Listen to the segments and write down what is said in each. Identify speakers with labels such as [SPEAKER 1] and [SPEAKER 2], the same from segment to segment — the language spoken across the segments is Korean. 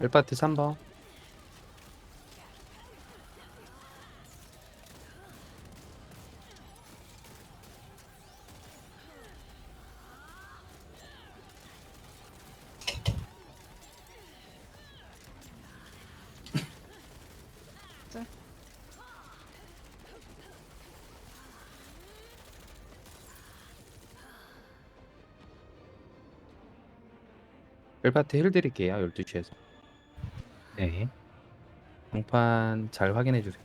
[SPEAKER 1] 1파티 3번.
[SPEAKER 2] 네.
[SPEAKER 1] 1파티 힐 드릴게요. 12시에서.
[SPEAKER 3] 네.
[SPEAKER 1] 장판 잘 확인해 주세요.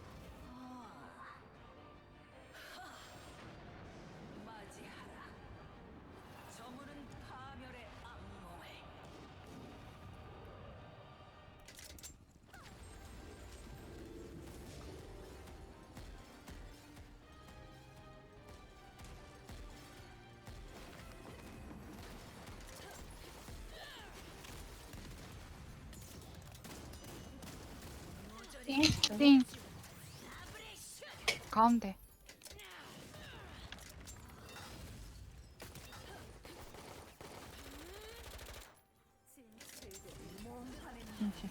[SPEAKER 2] 띵. 가운데. 띵.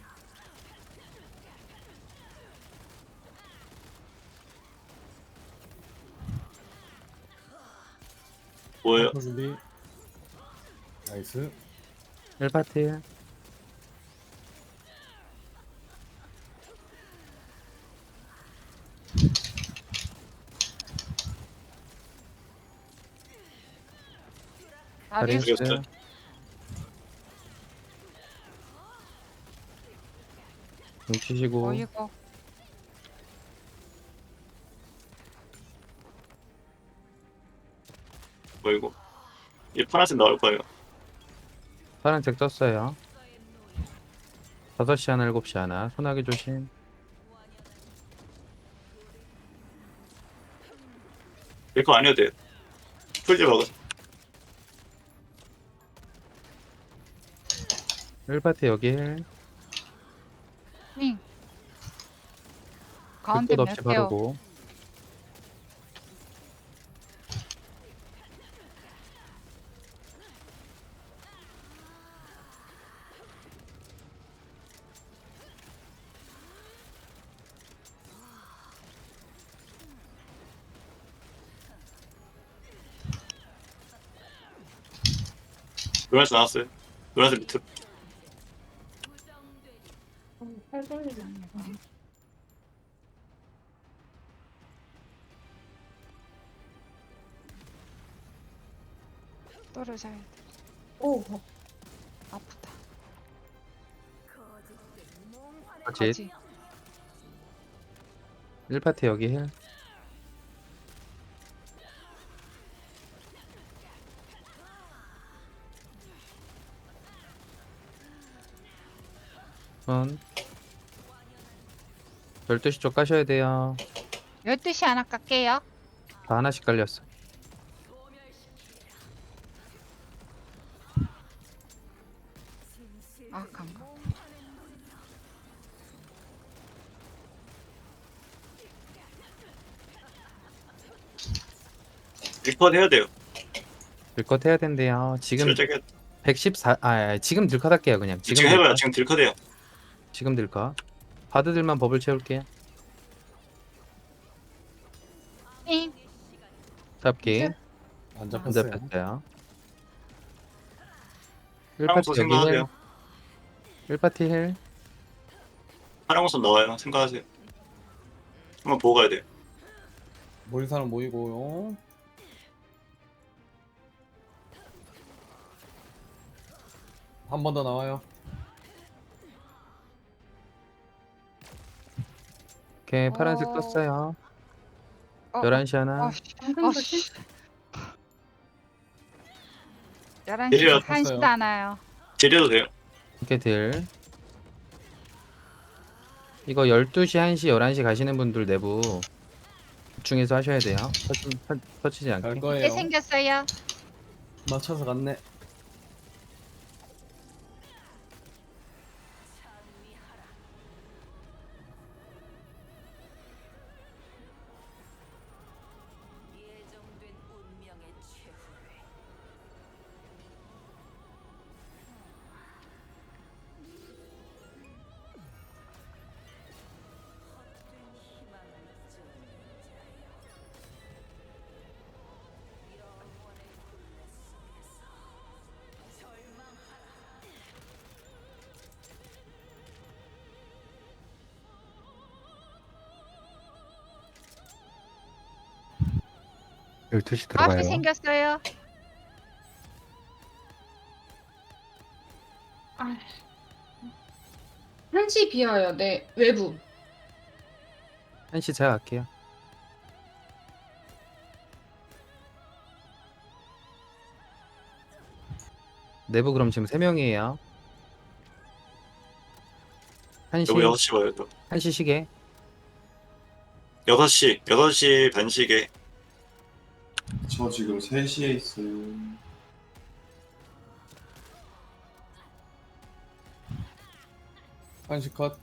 [SPEAKER 4] 뭐예요?
[SPEAKER 5] 준비. 나이스.
[SPEAKER 1] 1파티 힐.
[SPEAKER 2] 다리우스.
[SPEAKER 1] 다리우스.
[SPEAKER 4] 다리우스.
[SPEAKER 1] 좀 치시고.
[SPEAKER 2] 어이구.
[SPEAKER 4] 뭐 이거? 이 파란색 나올 거예요.
[SPEAKER 1] 파란색 떴어요. 5시 하나 7시 하나. 소나기 조심.
[SPEAKER 4] 이거 안 해도 돼요. 풀지 먹어.
[SPEAKER 1] 1파티 여기 힐.
[SPEAKER 2] 띵. 가운데
[SPEAKER 1] 불꽃 없이
[SPEAKER 2] 몇게요?
[SPEAKER 1] 바르고.
[SPEAKER 4] 노란색 나왔어요. 노란색 밑에.
[SPEAKER 2] 떨어져야 돼.
[SPEAKER 6] 오,
[SPEAKER 2] 아프다.
[SPEAKER 1] 거짓.
[SPEAKER 2] 거지.
[SPEAKER 1] 1파티 여기 힐. 손. 12시 쪽 까셔야 돼요.
[SPEAKER 2] 12시 하나 깎게요.
[SPEAKER 1] 다 하나씩 깔렸어.
[SPEAKER 2] 아, 간가.
[SPEAKER 4] 리퍼드 해야 돼요.
[SPEAKER 1] 들컷 해야 된대요. 지금
[SPEAKER 4] 살짝 해야
[SPEAKER 1] 114, 지금 들컷 할게요, 그냥.
[SPEAKER 4] 지금 해봐요.
[SPEAKER 1] 들컷.
[SPEAKER 4] 지금 딜컷해요.
[SPEAKER 1] 지금 들컷. 바드들만 버블 채울게요.
[SPEAKER 2] 띵.
[SPEAKER 1] 잡기.
[SPEAKER 6] 이제?
[SPEAKER 5] 안
[SPEAKER 1] 안
[SPEAKER 5] 잡혔어요.
[SPEAKER 1] 잡혔어요.
[SPEAKER 4] 파랑선
[SPEAKER 1] 1파티 여기 힐.
[SPEAKER 4] 생각하세요.
[SPEAKER 1] 1파티 힐.
[SPEAKER 4] 파랑선 나와요. 생각하세요. 한번 보고 가야 돼요.
[SPEAKER 5] 모인 사람 모이고요. 한 번 더 나와요.
[SPEAKER 1] 오케이, 파란색
[SPEAKER 2] 어.
[SPEAKER 1] 떴어요.
[SPEAKER 2] 어,
[SPEAKER 1] 11시 하나.
[SPEAKER 2] 씨.
[SPEAKER 6] 방금
[SPEAKER 2] 씨. 11시
[SPEAKER 4] 내려.
[SPEAKER 2] 1시도 안 와요.
[SPEAKER 4] 딜해도 돼요.
[SPEAKER 1] 이렇게 들. 이거 12시, 1시, 11시 가시는 분들 내부 집중해서 하셔야 돼요. 터치지
[SPEAKER 5] 갈
[SPEAKER 1] 않게.
[SPEAKER 2] 게
[SPEAKER 5] 거예요.
[SPEAKER 2] 생겼어요.
[SPEAKER 5] 맞춰서 갔네.
[SPEAKER 3] 12시
[SPEAKER 2] 9시
[SPEAKER 3] 들어가요.
[SPEAKER 2] 생겼어요.
[SPEAKER 6] 아, 1시 비어요. 네, 외부.
[SPEAKER 1] 1시 제가 갈게요. 내부 그럼 지금 3명이에요.
[SPEAKER 4] 여기
[SPEAKER 1] 1시
[SPEAKER 4] 6시 와요 또.
[SPEAKER 1] 1시 시계
[SPEAKER 4] 6시 반시계.
[SPEAKER 7] 저 지금 3시에 있어요.
[SPEAKER 5] 한시 컷.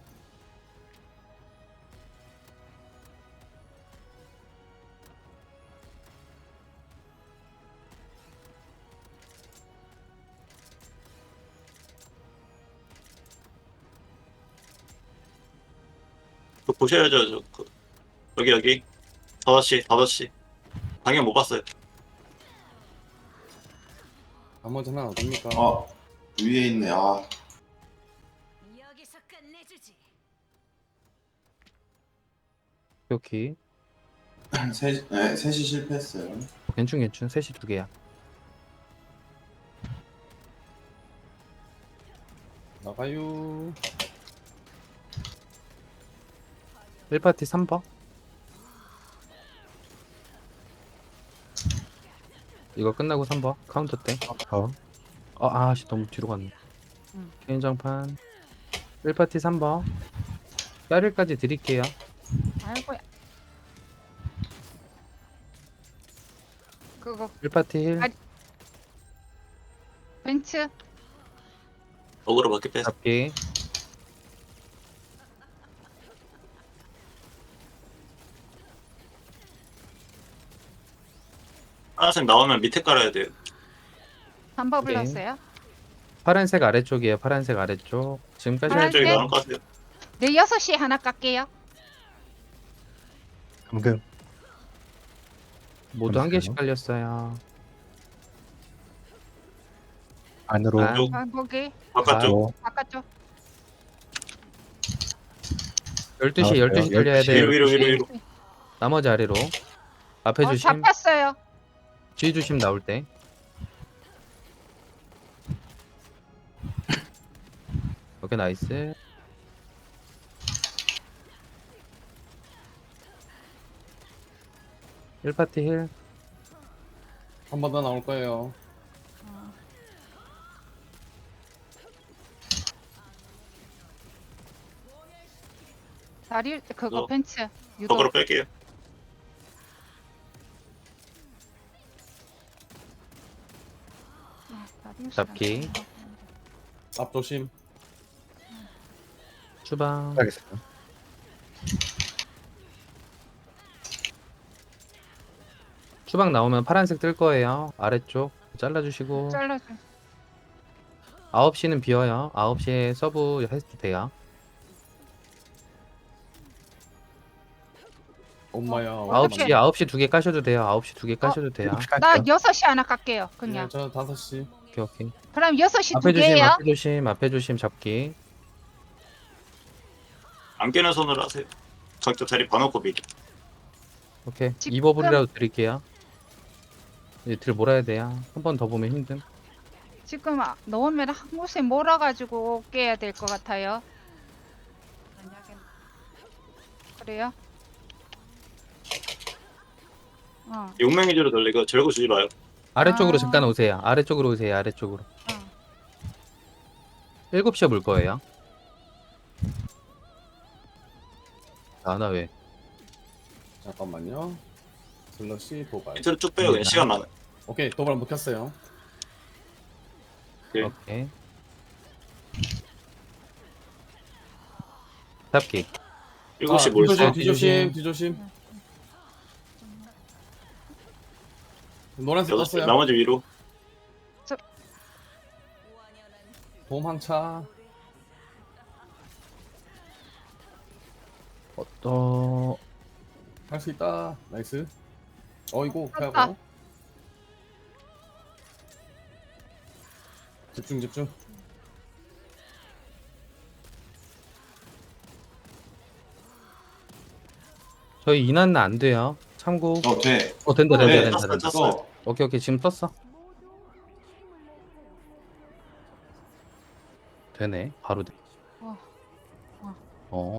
[SPEAKER 4] 그거 보셔야죠. 여기 5시 방향 못 봤어요.
[SPEAKER 5] 나머지 하나 어딥니까?
[SPEAKER 7] 아, 위에 있네. 아,
[SPEAKER 8] 여기서 끝내주지.
[SPEAKER 1] 오케이.
[SPEAKER 7] 3시 실패했어요.
[SPEAKER 1] 괜춘 3시 2개야.
[SPEAKER 5] 나가요.
[SPEAKER 1] 1파티 3번. 이거 끝나고 3번 카운터 때. 아씨 너무 뒤로 갔네. 개인장판 1파티 3번. 뼈리까지 드릴게요.
[SPEAKER 2] 아이고야. 그거
[SPEAKER 1] 1파티 힐
[SPEAKER 2] 아, 벤츠.
[SPEAKER 4] 어그로 맞게 뺐어.
[SPEAKER 1] 잡기.
[SPEAKER 4] 하나씩 나오면 밑에 깔아야 돼요.
[SPEAKER 2] 3번
[SPEAKER 1] 네.
[SPEAKER 2] 불렀어요.
[SPEAKER 1] 파란색 아래쪽이에요. 파란색 아래쪽. 지금까지
[SPEAKER 2] 파란색?
[SPEAKER 4] 저기 나올 것 같아요.
[SPEAKER 2] 네, 6시에 하나 깎게요.
[SPEAKER 3] 감금.
[SPEAKER 1] 모두 한
[SPEAKER 3] 감사해요.
[SPEAKER 1] 개씩 깔렸어요.
[SPEAKER 3] 안으로.
[SPEAKER 1] 아,
[SPEAKER 4] 쪽.
[SPEAKER 2] 아, 거기
[SPEAKER 4] 바깥쪽.
[SPEAKER 2] 바깥쪽.
[SPEAKER 1] 12시
[SPEAKER 3] 나왔어요.
[SPEAKER 1] 12시 달려야
[SPEAKER 3] 12시.
[SPEAKER 1] 돼.
[SPEAKER 4] 위로.
[SPEAKER 1] 12시. 나머지 아래로. 앞에 조심.
[SPEAKER 2] 잡혔어요.
[SPEAKER 1] 뒤 조심 나올 때. 오케이 나이스. 일 파티 힐.
[SPEAKER 5] 한 번 더 나올 거예요.
[SPEAKER 2] 다리 그거
[SPEAKER 4] 어.
[SPEAKER 2] 벤츠. 유도.
[SPEAKER 4] 어그로 뺄게요.
[SPEAKER 2] 다리우스랑
[SPEAKER 1] 잡기.
[SPEAKER 5] 앞 조심.
[SPEAKER 1] 주방.
[SPEAKER 3] 알겠어요.
[SPEAKER 1] 주방 나오면 파란색 뜰 거예요. 아래쪽 잘라주시고.
[SPEAKER 2] 잘라줘.
[SPEAKER 1] 9시는 비어요. 9시에 서브 해도 돼요.
[SPEAKER 5] 엄마야.
[SPEAKER 1] 9시 9시 2개 까셔도 돼요. 9시 2개 까셔도 돼요.
[SPEAKER 3] 7시
[SPEAKER 2] 나
[SPEAKER 3] 갈게요.
[SPEAKER 2] 6시 하나 깎게요. 그냥.
[SPEAKER 5] 저 5시.
[SPEAKER 1] 오케이 오케이.
[SPEAKER 2] 그럼 6시
[SPEAKER 1] 앞에
[SPEAKER 2] 두
[SPEAKER 1] 조심
[SPEAKER 2] 개예요.
[SPEAKER 1] 앞에 조심 앞에 조심 잡기.
[SPEAKER 4] 안 깨는 손으로 하세요. 각자 자리 봐놓고 미리.
[SPEAKER 1] 오케이.
[SPEAKER 2] 지금-
[SPEAKER 1] 2버블이라도 드릴게요. 이제 들 몰아야 돼요. 한 번 더 보면 힘듦.
[SPEAKER 2] 지금 넣으면 한 곳에 몰아가지고 깨야 될 것 같아요. 그래요?
[SPEAKER 4] 용맹 위주로 돌리고 절구 주지 마요.
[SPEAKER 1] 아래쪽으로
[SPEAKER 2] 아.
[SPEAKER 1] 잠깐 오세요. 아래쪽으로 오세요. 아래쪽으로.
[SPEAKER 2] 어.
[SPEAKER 1] 7시에 물 거예요. 나 왜?
[SPEAKER 5] 잠깐만요. 슬러시 도발.
[SPEAKER 4] 밑으로 쭉 빼요. 그냥 시간 많아.
[SPEAKER 5] 오케이, 도발 먹혔어요.
[SPEAKER 4] 오케이.
[SPEAKER 1] 오케이. 잡기.
[SPEAKER 4] 7시 뭘 써?
[SPEAKER 5] 뒤조심. 노란색
[SPEAKER 4] 6시
[SPEAKER 5] 떴어요.
[SPEAKER 4] 나머지 위로.
[SPEAKER 5] 도망차. 할 수 있다. 나이스. 어이구,
[SPEAKER 2] 떴다.
[SPEAKER 5] 피하고. 집중.
[SPEAKER 1] 저희 인한은 안 돼요. 3구.
[SPEAKER 7] 돼.
[SPEAKER 1] 된다,
[SPEAKER 4] 네,
[SPEAKER 1] 된다,
[SPEAKER 4] 떴어,
[SPEAKER 1] 된다.
[SPEAKER 4] 떴어.
[SPEAKER 7] 어,
[SPEAKER 1] 오케이, 오케이. 지금 떴어. 되네. 바로 돼.
[SPEAKER 2] 어.
[SPEAKER 1] 어.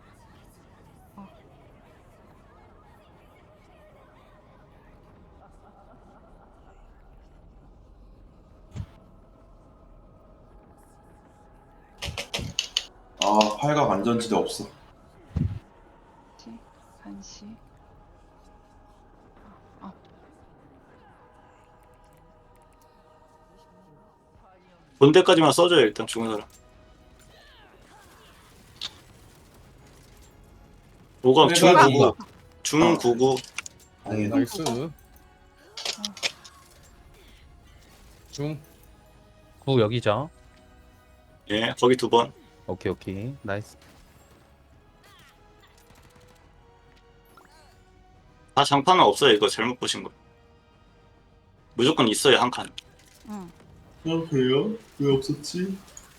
[SPEAKER 7] 아, 팔각 안전지대 없어.
[SPEAKER 2] 간시.
[SPEAKER 4] 본 데까지만 써줘요 일단 죽은 사람. 5가 중
[SPEAKER 7] 내가
[SPEAKER 4] 99. 중 99.
[SPEAKER 5] 나이스. 중.
[SPEAKER 1] 9 여기죠.
[SPEAKER 4] 예, 거기 2번.
[SPEAKER 1] 오케이, 오케이. 나이스.
[SPEAKER 4] 다 장판은 없어요. 이거 잘못 보신 거. 무조건 있어요 한 칸.
[SPEAKER 2] 응.
[SPEAKER 7] 그래요? 왜 없었지?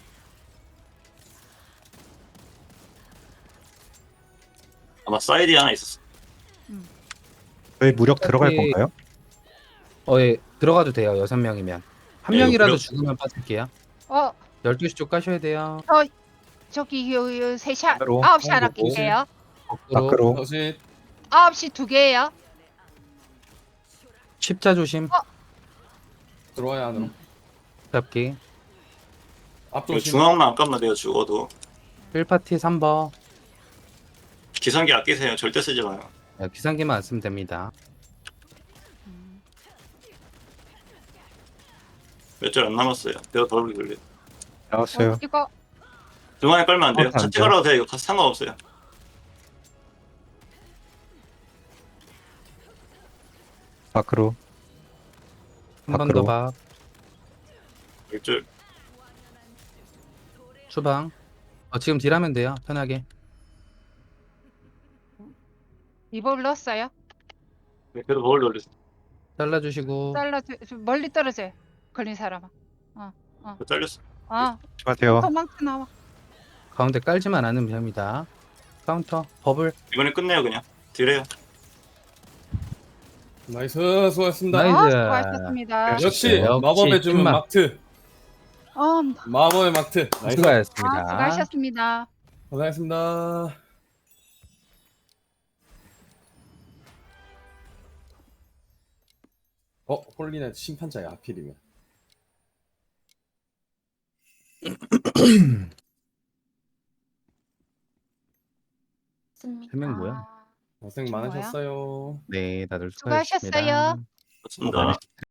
[SPEAKER 4] 아마 사이드에 하나 있었어.
[SPEAKER 3] 저희 무력 들어갈
[SPEAKER 1] 오케이.
[SPEAKER 3] 건가요?
[SPEAKER 1] 예. 들어가도 돼요. 6명이면. 한
[SPEAKER 4] 예,
[SPEAKER 1] 명이라도
[SPEAKER 4] 무력-
[SPEAKER 1] 죽으면 빠질게요.
[SPEAKER 2] 12시
[SPEAKER 1] 12시 쪽 까셔야 돼요.
[SPEAKER 2] 저기 요 3시
[SPEAKER 3] 안으로.
[SPEAKER 2] 9시 하나
[SPEAKER 5] 안으로.
[SPEAKER 2] 낄게요.
[SPEAKER 1] 밖으로.
[SPEAKER 3] 밖으로.
[SPEAKER 5] 다시
[SPEAKER 2] 9시 2개예요.
[SPEAKER 1] 십자 조심.
[SPEAKER 5] 들어와야 안으로.
[SPEAKER 1] 잡기.
[SPEAKER 5] 앞
[SPEAKER 4] 이거
[SPEAKER 5] 조심.
[SPEAKER 4] 중앙만 안 까면 돼요 죽어도.
[SPEAKER 1] 1파티 3번.
[SPEAKER 4] 기상기 아끼세요. 절대 쓰지 마요.
[SPEAKER 1] 기상기만 안 쓰면 됩니다.
[SPEAKER 4] 몇 줄 안 남았어요. 내가 더블 돌려.
[SPEAKER 3] 나왔어요.
[SPEAKER 2] 이거
[SPEAKER 4] 중앙에 깔면 안 돼요.
[SPEAKER 3] 안
[SPEAKER 4] 차체
[SPEAKER 3] 돼요?
[SPEAKER 4] 깔아도 돼요. 이거 상관없어요.
[SPEAKER 3] 밖으로.
[SPEAKER 1] 한 번 더
[SPEAKER 3] 밖으로.
[SPEAKER 1] 봐.
[SPEAKER 4] 1줄.
[SPEAKER 1] 추방. 지금 딜하면 돼요. 편하게.
[SPEAKER 2] 리볼 넣었어요.
[SPEAKER 4] 네, 그래도 더블 돌려.
[SPEAKER 1] 잘라주시고.
[SPEAKER 2] 멀리 떨어져요. 걸린 사람은.
[SPEAKER 4] 잘렸어.
[SPEAKER 3] 조심하세요.
[SPEAKER 2] 도망쳐 나와.
[SPEAKER 1] 가운데 깔지만 않으면 됩니다. 카운터. 버블.
[SPEAKER 4] 이번에 끝내요 그냥. 딜해요.
[SPEAKER 5] 나이스. 수고하셨습니다.
[SPEAKER 1] 나이스.
[SPEAKER 2] 수고하셨습니다.
[SPEAKER 5] 역시
[SPEAKER 1] 역시
[SPEAKER 5] 마법의 주문
[SPEAKER 1] 찐맛.
[SPEAKER 5] 막트. 마법의 막트. 나이스.
[SPEAKER 1] 수고하셨습니다.
[SPEAKER 2] 수고하셨습니다.
[SPEAKER 5] 고생하셨습니다. 홀리나이트 심판자야 하필이면.
[SPEAKER 1] 세 명 뭐야?
[SPEAKER 5] 고생 많으셨어요.
[SPEAKER 1] 네, 다들
[SPEAKER 2] 수고하셨어요.
[SPEAKER 1] 수고하셨습니다.
[SPEAKER 4] 좋습니다.